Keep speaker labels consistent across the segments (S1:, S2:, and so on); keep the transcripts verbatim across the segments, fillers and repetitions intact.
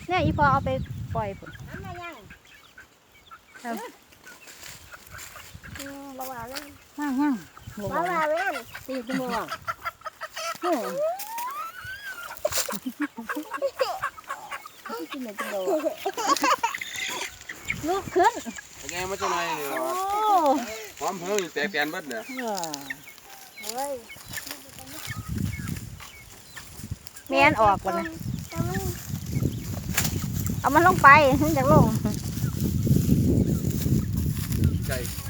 S1: เนี่ยอีพอเอาไปปล่อยพุ่น
S2: น้ำมายัง
S1: ครับ
S2: บ่ว่าเลย
S1: ย่างย่างบ่
S2: บ่
S1: ว่า
S2: ว่าเว้นสี่ชั่วโมง
S1: เฮ้ย
S2: กินเหมือนจะโดน
S1: ลุกขึ้น
S3: แกมันจะไหนนี่
S1: โอ้
S3: หอมเพิ่งแตกแตนเบิดเนี่ย
S1: เออ
S2: เฮ้ย
S1: แม่นออกก่อนนะเอามันลงไปถึงจะลง
S3: ไก่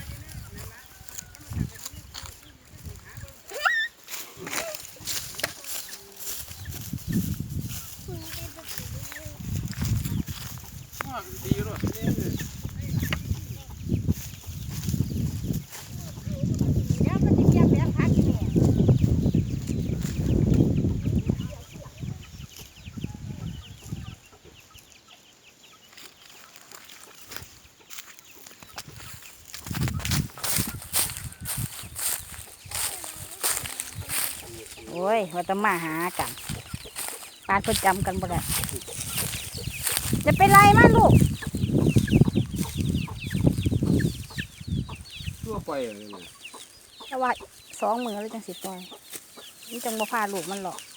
S3: ดีด้วย
S2: เดี๋ยวมันจะเก็บแบบพักนี่
S1: โอ้ยว่าจะมาหากันปานเพิ่นจำกันบ่ได้จะเป็นไรมาลูก
S3: ตัวไปเลย
S1: แต่ว่าสองมือแล้วจังสิปล่อยนี่จังบ่พาลูกมันหรอก